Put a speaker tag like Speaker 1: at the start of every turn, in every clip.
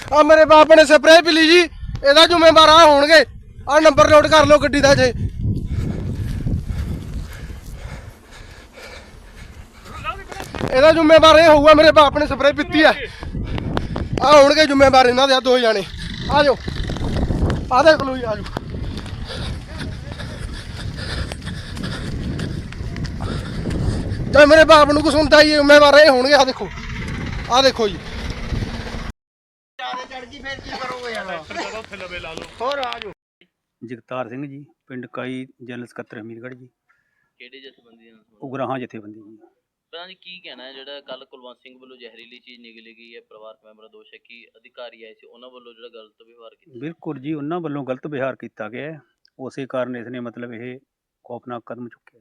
Speaker 1: ਆ ਮੇਰੇ ਬਾਪ ਨੇ ਸਪਰੇਅ ਪੀ ਲਈ ਜੀ, ਇਹਦਾ ਜ਼ਿੰਮੇਵਾਰ ਆ ਹੋਣਗੇ। ਆ ਨੰਬਰ ਨੋਟ ਕਰ ਲਓ ਗੱਡੀ ਦਾ ਜੇ। ਇਹਦਾ ਜ਼ਿੰਮੇਵਾਰ ਇਹ ਹੋਊਗਾ, ਮੇਰੇ ਬਾਪ ਨੇ ਸਪਰੇਅ ਪੀਤੀ ਆ। ਆ ਹੋਣਗੇ ਜ਼ਿੰਮੇਵਾਰ ਇਹਨਾਂ ਦੇ, ਆ 2 ਜਾਣੇ। ਆ ਜਾਓ, ਆ ਦੇਖ ਲਓ ਜੀ, ਆ ਜਾਓ। ਜੇ ਮੇਰੇ ਬਾਪ ਨੂੰ ਕੁਛ ਹੁੰਦਾ ਹੀ ਜ਼ਿੰਮੇਵਾਰ ਇਹ ਹੋਣਗੇ। ਆ ਦੇਖੋ, ਆ ਦੇਖੋ ਜੀ।
Speaker 2: ਜਗਤਾਰ ਸਿੰਘ ਜੀ, ਪਿੰਡ ਕਾਈ, ਜਨਰਲ ਸਕੱਤਰ ਹਮੀਰਗੜ੍ਹ ਜੀ।
Speaker 3: ਕਿਹੜੇ ਜਥੇਬੰਦੀ ਨਾਲ?
Speaker 2: ਉਗਰਾਹਾਂ ਜਥੇਬੰਦੀ ਜੀ।
Speaker 3: ਪਤਾ ਨਹੀਂ ਕੀ ਕਹਿਣਾ ਹੈ, ਜਿਹੜਾ ਕੱਲ ਕੁਲਵੰਤ ਸਿੰਘ ਵੱਲੋਂ ਜ਼ਹਿਰੀਲੀ ਚੀਜ਼ ਨਿਗਲੀ ਗਈ ਹੈ, ਪਰਿਵਾਰਕ ਮੈਂਬਰਾਂ ਦੋਸ਼ ਹੈ ਕਿ ਅਧਿਕਾਰੀ ਆਏ ਸੀ ਉਹਨਾਂ ਵੱਲੋਂ ਜਿਹੜਾ ਗਲਤ ਵਿਵਹਾਰ ਕੀਤਾ।
Speaker 2: ਬਿਲਕੁਲ ਜੀ, ਉਹਨਾਂ ਵੱਲੋਂ ਗਲਤ ਵਿਹਾਰ ਕੀਤਾ ਗਿਆ ਹੈ। ਉਸੇ ਕਾਰਨ ਇਸ ਨੇ ਮਤਲਬ ਇਹ ਖੌਫਨਾਕ ਕਦਮ ਚੁੱਕਿਆ।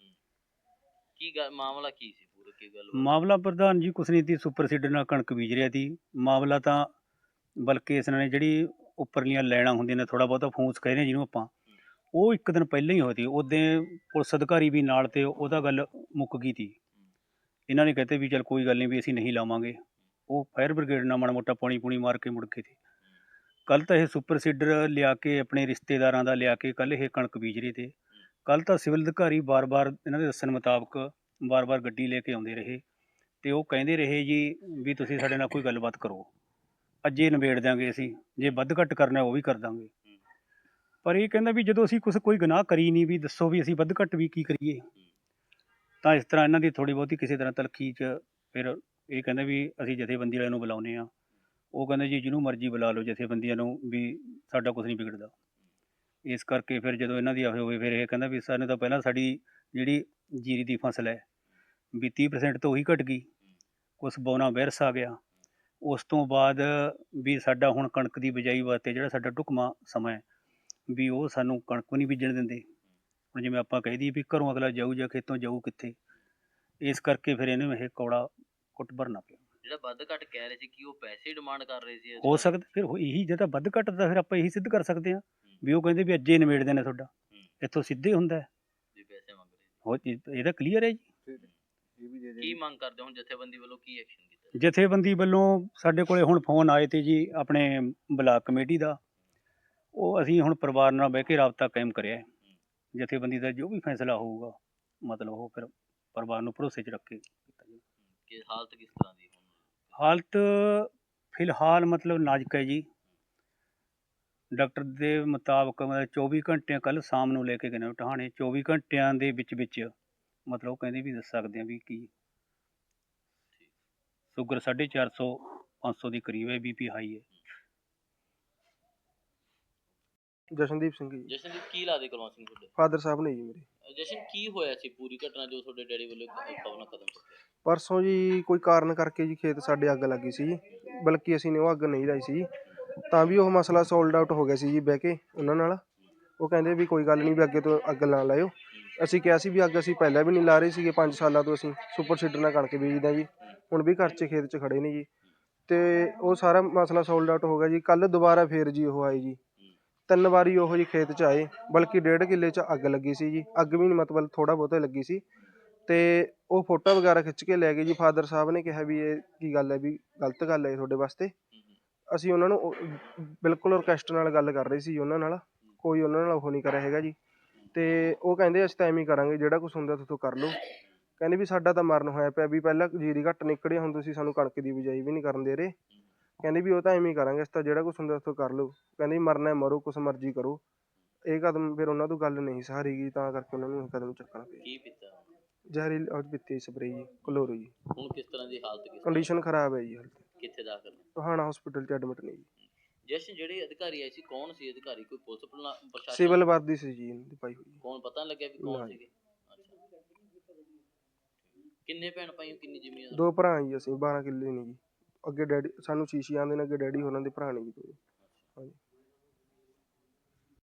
Speaker 3: ਕੀ ਗੱਲ, ਮਾਮਲਾ ਕੀ ਸੀ ਪੂਰਾ, ਕੀ ਗੱਲ?
Speaker 2: ਮਾਮਲਾ ਪ੍ਰਧਾਨ ਜੀ ਕੁਛ ਨਹੀਂ ਸੀ, ਸੁਪਰ ਸੀਡਰ ਨਾਲ ਕਣਕ ਬੀਜ ਰਿਹਾ ਸੀ। ਮਾਮਲਾ ਤਾਂ ਬਲਕਿ ਇਸ ਨੇ ਜਿਹੜੀ ਉੱਪਰਲੀਆਂ ਲੈਣਾ ਹੁੰਦੀਆਂ ਨੇ, ਥੋੜ੍ਹਾ ਬਹੁਤਾ ਫੂਸ ਕਹਿੰਦੇ ਨੇ ਜਿਹਨੂੰ ਆਪਾਂ, ਉਹ ਇੱਕ ਦਿਨ ਪਹਿਲਾਂ ਹੀ ਹੋਈ ਸੀ। ਉਦੋਂ ਪੁਲਿਸ ਅਧਿਕਾਰੀ ਵੀ ਨਾਲ ਤੇ ਉਹਦਾ ਗੱਲ ਮੁੱਕ ਗਈ ਸੀ। ਇਹਨਾਂ ਨੇ ਕਹਤੇ ਵੀ ਚੱਲ ਕੋਈ ਗੱਲ ਨਹੀਂ, ਵੀ ਅਸੀਂ ਨਹੀਂ ਲਾਵਾਂਗੇ। ਉਹ ਫਾਇਰ ਬ੍ਰਿਗੇਡ ਨਾਲ ਮਾੜਾ ਮੋਟਾ ਪਾਣੀ ਪੂਣੀ ਮਾਰ ਕੇ ਮੁੜ ਕੇ ਸੀ। ਕੱਲ੍ਹ ਤਾਂ ਇਹ ਸੁਪਰ ਸੀਡਰ ਲਿਆ ਕੇ ਆਪਣੇ ਰਿਸ਼ਤੇਦਾਰਾਂ ਦਾ ਲਿਆ ਕੇ ਕੱਲ੍ਹ ਇਹ ਕਣਕ ਬੀਜ ਰਹੇ ਤੇ। ਕੱਲ੍ਹ ਤਾਂ ਸਿਵਲ ਅਧਿਕਾਰੀ ਵਾਰ-ਵਾਰ ਇਹਨਾਂ ਦੇ ਦੱਸਣ ਮੁਤਾਬਕ ਵਾਰ-ਵਾਰ ਗੱਡੀ ਲੈ ਕੇ ਆਉਂਦੇ ਰਹੇ ਅਤੇ ਉਹ ਕਹਿੰਦੇ ਰਹੇ ਜੀ ਵੀ ਤੁਸੀਂ ਸਾਡੇ ਨਾਲ ਕੋਈ ਗੱਲਬਾਤ ਕਰੋ, ਅੱਜੇ ਨਿਬੇੜ ਦਿਆਂਗੇ ਅਸੀਂ, ਜੇ ਵੱਧ ਘੱਟ ਕਰਨਾ ਉਹ ਵੀ ਕਰ ਦਾਂਗੇ। ਪਰ ਇਹ ਕਹਿੰਦਾ ਵੀ ਜਦੋਂ ਅਸੀਂ ਕੋਈ ਗੁਨਾਹ ਕਰੀ ਨਹੀਂ, ਵੀ ਦੱਸੋ ਵੀ ਅਸੀਂ ਵੱਧ ਘੱਟ ਵੀ ਕੀ ਕਰੀਏ। ਤਾਂ ਇਸ ਤਰ੍ਹਾਂ ਇਹਨਾਂ ਦੀ ਥੋੜ੍ਹੀ ਬਹੁਤੀ ਕਿਸੇ ਤਰ੍ਹਾਂ ਤਲਖੀ 'ਚ ਫਿਰ ਇਹ ਕਹਿੰਦਾ ਵੀ ਅਸੀਂ ਜਥੇਬੰਦੀ ਵਾਲਿਆਂ ਨੂੰ ਬੁਲਾਉਂਦੇ ਹਾਂ। ਉਹ ਕਹਿੰਦੇ ਜੀ ਜਿਹਨੂੰ ਮਰਜ਼ੀ ਬੁਲਾ ਲਓ ਜਥੇਬੰਦੀਆਂ ਨੂੰ, ਵੀ ਸਾਡਾ ਕੁਛ ਨਹੀਂ ਵਿਗੜਦਾ। ਇਸ ਕਰਕੇ ਫਿਰ ਜਦੋਂ ਇਹਨਾਂ ਦੀ ਹੋਵੇ, ਫਿਰ ਇਹ ਕਹਿੰਦਾ ਵੀ ਸਾਨੂੰ ਤਾਂ ਪਹਿਲਾਂ ਸਾਡੀ ਜਿਹੜੀ ਜੀਰੀ ਦੀ ਫਸਲ ਹੈ ਵੀ 30% ਤੋਂ ਉਹੀ ਘਟ ਗਈ, ਕੁਛ ਬੌਨਾ ਵਾਇਰਸ ਆ ਗਿਆ। ਉਸ ਤੋਂ ਬਾਅਦ ਵੀ ਸਾਡਾ ਹੁਣ ਕਣਕ ਦੀ ਬਿਜਾਈ ਵਾਸਤੇ ਜਿਹੜਾ ਸਾਡਾ ਢੁਕਵਾਂ ਸਮਾਂ ਹੈ ਵੀ ਉਹ ਸਾਨੂੰ ਕਣਕ ਵੀ ਨਹੀਂ ਬੀਜਣ ਦਿੰਦੇ। ਹੁਣ ਜਿਵੇਂ ਆਪਾਂ ਕਹਿ ਦਈਏ ਵੀ ਘਰੋਂ ਅਗਲਾ ਜਾਊ ਜਾਂ ਖੇਤੋਂ ਜਾਊ ਕਿੱਥੇ। ਇਸ ਕਰਕੇ ਫਿਰ ਇਹਨੂੰ ਇਹ ਕੌੜਾ ਕੁੱਟ ਭਰਨਾ ਪਿਆ।
Speaker 3: ਜਿਹੜਾ ਵੱਧ ਘੱਟ ਕਹਿ ਰਹੇ ਸੀ ਕਿ ਉਹ ਪੈਸੇ ਡਿਮਾਂਡ ਕਰ ਰਹੇ ਸੀ?
Speaker 2: ਹੋ ਸਕਦਾ ਫਿਰ ਇਹੀ ਜੇ ਤਾਂ ਵੱਧ ਘੱਟ ਦਾ ਫਿਰ ਆਪਾਂ ਇਹੀ ਸਿੱਧ ਕਰ ਸਕਦੇ ਹਾਂ ਵੀ ਉਹ ਕਹਿੰਦੇ ਵੀ ਅੱਜੇ ਨਿਬੇੜ ਦੇਣਾ ਤੁਹਾਡਾ, ਇੱਥੋਂ ਸਿੱਧੇ ਹੁੰਦਾ
Speaker 3: ਵੀ ਪੈਸੇ ਮੰਗ ਰਹੇ
Speaker 2: ਹੋਰ ਇਹ ਤਾਂ ਕਲੀਅਰ ਹੈ ਜੀ।
Speaker 3: ਸੀ। ਕੀ ਮੰਗ ਕਰਦੇ ਹੁਣ ਜਥੇਬੰਦੀ ਵੱਲੋਂ, ਕੀ ਐਕਸ਼ਨ ਕੀਤਾ?
Speaker 2: ਜਥੇਬੰਦੀ ਵੱਲੋਂ ਸਾਡੇ ਕੋਲੇ ਹੁਣ ਫੋਨ ਆਏ ਤੇ ਜੀ ਆਪਣੇ ਬਲਾਕ ਕਮੇਟੀ ਦਾ, ਉਹ ਅਸੀਂ ਹੁਣ ਪਰਿਵਾਰ ਨਾਲ ਬਹਿ ਕੇ ਰਾਬਤਾ ਕਾਇਮ ਕਰਿਆ। ਜਥੇਬੰਦੀ ਦਾ ਜੋ ਵੀ ਫੈਸਲਾ ਹੋਊਗਾ ਮਤਲਬ ਉਹ ਫਿਰ ਪਰਿਵਾਰ ਨੂੰ ਭਰੋਸੇ 'ਚ ਰੱਖ ਕੇ ਕੀਤਾ ਜਾਊ।
Speaker 3: ਕਿ ਹਾਲਤ ਕਿਸ ਤਰ੍ਹਾਂ ਦੀ ਹੁਣ?
Speaker 2: ਹਾਲਤ ਫਿਲਹਾਲ ਮਤਲਬ ਨਾਜ਼ੁਕ ਹੈ ਜੀ। ਡਾਕਟਰ ਦੇ ਮੁਤਾਬਕ ਮਤਲਬ 24 ਘੰਟਿਆਂ ਕੱਲ੍ਹ ਸ਼ਾਮ ਨੂੰ ਲੈ ਕੇ ਗਏ ਨੇ ਟਹਾਣੇ, 24 ਘੰਟਿਆਂ ਦੇ ਵਿੱਚ ਮਤਲਬ ਉਹ ਕਹਿੰਦੇ ਵੀ ਦੱਸ ਸਕਦੇ ਆ ਵੀ ਕੀ ਸ਼ੂਗਰ 450 500 ਦੀ ਕਰੀਬ ਹੈ, BP ਹਾਈ ਹੈ।
Speaker 1: ਜਸ਼ਨਦੀਪ ਸਿੰਘ ਜੀ।
Speaker 3: ਜਸ਼ਨਦੀਪ, ਕੀ ਲੱਗਦੇ ਕੁਲਵੰਤ ਸਿੰਘ ਤੁਹਾਡੇ?
Speaker 1: ਫਾਦਰ ਸਾਹਿਬ ਨੇ ਜੀ ਮੇਰੇ।
Speaker 3: ਜਸ਼ਨ, ਕੀ ਹੋਇਆ ਸੀ ਪੂਰੀ ਘਟਨਾ ਜੋ ਤੁਹਾਡੇ ਡੈਡੀ ਵੱਲੋਂ ਕਦਮ ਚੁੱਕਿਆ?
Speaker 1: ਪਰਸੋਂ ਜੀ ਕੋਈ ਕਾਰਨ ਕਰਕੇ ਜੀ ਖੇਤ ਸਾਡੇ ਅੱਗ ਲੱਗੀ ਸੀ ਜੀ, ਬਲਕਿ ਅਸੀਂ ਨੇ ਉਹ ਅੱਗ ਨਹੀਂ ਲਾਈ ਸੀ, ਤਾਂ ਵੀ ਉਹ ਮਸਲਾ ਸੋਲਡ ਆਊਟ ਹੋ ਗਿਆ ਸੀ ਜੀ ਬਹਿ ਕੇ ਉਹਨਾਂ ਨਾਲ। ਉਹ ਕਹਿੰਦੇ ਵੀ ਕੋਈ ਗੱਲ ਨਹੀਂ, ਵੀ ਅੱਗੇ ਤੋਂ ਅੱਗ ਨਾ ਲਾਇਓ। ਅਸੀਂ ਕਿਹਾ ਸੀ ਵੀ ਅੱਗ ਅਸੀਂ ਪਹਿਲਾਂ ਵੀ ਨਹੀਂ ਲਾ ਰਹੇ ਸੀਗੇ, 5 ਸਾਲਾਂ ਤੋਂ ਅਸੀਂ ਸੁਪਰ ਸੀਡਰ ਨਾਲ ਕਣਕ ਬੀਜਦੇ ਹਾਂ ਜੀ, ਹੁਣ ਵੀ ਘਰ 'ਚ ਖੇਤ 'ਚ ਖੜੇ ਨੇ ਜੀ। ਅਤੇ ਉਹ ਸਾਰਾ ਮਸਲਾ ਸੋਲਡ ਆਊਟ ਹੋ ਗਿਆ ਜੀ। ਕੱਲ੍ਹ ਦੁਬਾਰਾ ਫੇਰ ਜੀ ਉਹ ਆਏ ਜੀ, 3 ਵਾਰੀ ਉਹ ਜੀ ਖੇਤ 'ਚ ਆਏ, ਬਲਕਿ 1.5 ਕਿੱਲੇ 'ਚ ਅੱਗ ਲੱਗੀ ਸੀ ਜੀ। ਅੱਗ ਵੀ ਨਹੀਂ ਮਤਲਬ ਥੋੜ੍ਹਾ ਬਹੁਤਾ ਲੱਗੀ ਸੀ, ਅਤੇ ਉਹ ਫੋਟੋ ਵਗੈਰਾ ਖਿੱਚ ਕੇ ਲੈ ਗਏ ਜੀ। ਫਾਦਰ ਸਾਹਿਬ ਨੇ ਕਿਹਾ ਵੀ ਇਹ ਕੀ ਗੱਲ ਹੈ, ਵੀ ਗਲਤ ਗੱਲ ਹੈ ਤੁਹਾਡੇ ਵਾਸਤੇ। ਅਸੀਂ ਉਹਨਾਂ ਨੂੰ ਬਿਲਕੁਲ ਰਿਕੁਐਸਟ ਨਾਲ ਗੱਲ ਕਰ ਰਹੇ ਸੀ ਉਹਨਾਂ ਨਾਲ, ਕੋਈ ਉਹਨਾਂ ਨਾਲ ਉਹ ਨਹੀਂ ਕਰਿਆ ਹੈਗਾ ਜੀ। ਅਤੇ ਉਹ ਕਹਿੰਦੇ ਅਸੀਂ ਤਾਂ ਐਵੇਂ ਹੀ ਕਰਾਂਗੇ, ਜਿਹੜਾ ਕੁਛ ਹੁੰਦਾ ਤੁਸੀਂ ਕਰ ਲਓ। ਕਹਿੰਦੇ ਵੀ ਸਾਡਾ ਤਾਂ ਮਰਨ ਹੋਇਆ ਪਿਆ, ਵੀ ਪਹਿਲਾਂ ਜੀਰੀ ਘੱਟ ਨਿਕਲੀ, ਹੁਣ ਤੁਸੀਂ ਸਾਨੂੰ ਕਣਕ ਦੀ ਬਿਜਾਈ ਵੀ ਨਹੀਂ ਕਰਨ ਦੇ ਰਹੇ। ਕਹਿੰਦੇ ਵੀ ਉਹ ਤਾਂ ਐਵੇਂ ਹੀ ਕਰਾਂਗੇ, ਅਸੀਂ ਤਾਂ ਜਿਹੜਾ ਕੁਛ ਹੁੰਦਾ ਉੱਥੋਂ ਕਰ ਲਓ। ਕਹਿੰਦੇ ਮਰਨਾ ਮਰੋ, ਕੁਛ ਮਰਜ਼ੀ ਕਰੋ। ਇਹ ਕਦਮ ਫਿਰ ਉਹਨਾਂ ਤੋਂ ਗੱਲ ਨਹੀਂ ਸਹਾਰੀ ਗਈ, ਤਾਂ ਕਰਕੇ ਉਹਨਾਂ ਨੂੰ ਇਹ ਕਦਮ ਚੱਕਣਾ ਪਿਆ।
Speaker 3: ਕੀ ਪੀਤਾ?
Speaker 1: ਜ਼ਹਿਰੀਲੀ ਉਹ ਪੀਤੀ ਸਪਰੇਅ ਜੀ, ਕਲੋਰੋ ਜੀ।
Speaker 3: ਹੁਣ ਕਿਸ ਤਰ੍ਹਾਂ ਦੀ ਹਾਲਤ?
Speaker 1: ਕੰਡੀਸ਼ਨ ਖਰਾਬ ਹੈ ਜੀ ਹਾਲਤ।
Speaker 3: ਕਿੱਥੇ ਦਾਖਲ ਨੇ?
Speaker 1: ਟੋਹਾਣਾ ਹਸਪੀਟਲ 'ਚ ਐਡਮਿਟ ਨੇ ਜੀ।
Speaker 3: ਜਸ਼ਨ, ਜਿਹੜੇ ਅਧਿਕਾਰੀ ਆਏ ਸੀ ਕੌਣ ਸੀ ਅਧਿਕਾਰੀ? ਕੋਈ ਪੁਲਿਸ ਪ੍ਰਸ਼ਾਸਨ?
Speaker 1: ਸਿਵਲ ਵਰਦੀ ਸੀ ਜੀ ਇਹਨਾਂ ਦੀ ਪਾਈ ਹੋਈ।
Speaker 3: ਕੌਣ ਪਤਾ ਨਹੀਂ ਲੱਗਿਆ ਵੀ ਕੌਣ ਸੀਗੇ? ਕਿੰਨੇ ਭੈਣ ਭਾਈ, ਕਿੰਨੀ ਜ਼ਮੀਨ?
Speaker 1: 2 ਭਰਾ ਜੀ ਅਸੀਂ, 12 ਕਿੱਲੇ ਨੇ ਜੀ। ਅੱਗੇ ਡੈਡੀ ਸਾਨੂੰ ਸ਼ੀਸ਼ੀ ਆਉਂਦੇ ਨੇ, ਅੱਗੇ ਡੈਡੀ ਹੋਰਾਂ ਦੇ ਭਰਾ ਨੇ ਜੀ 2। ਹਾਂਜੀ।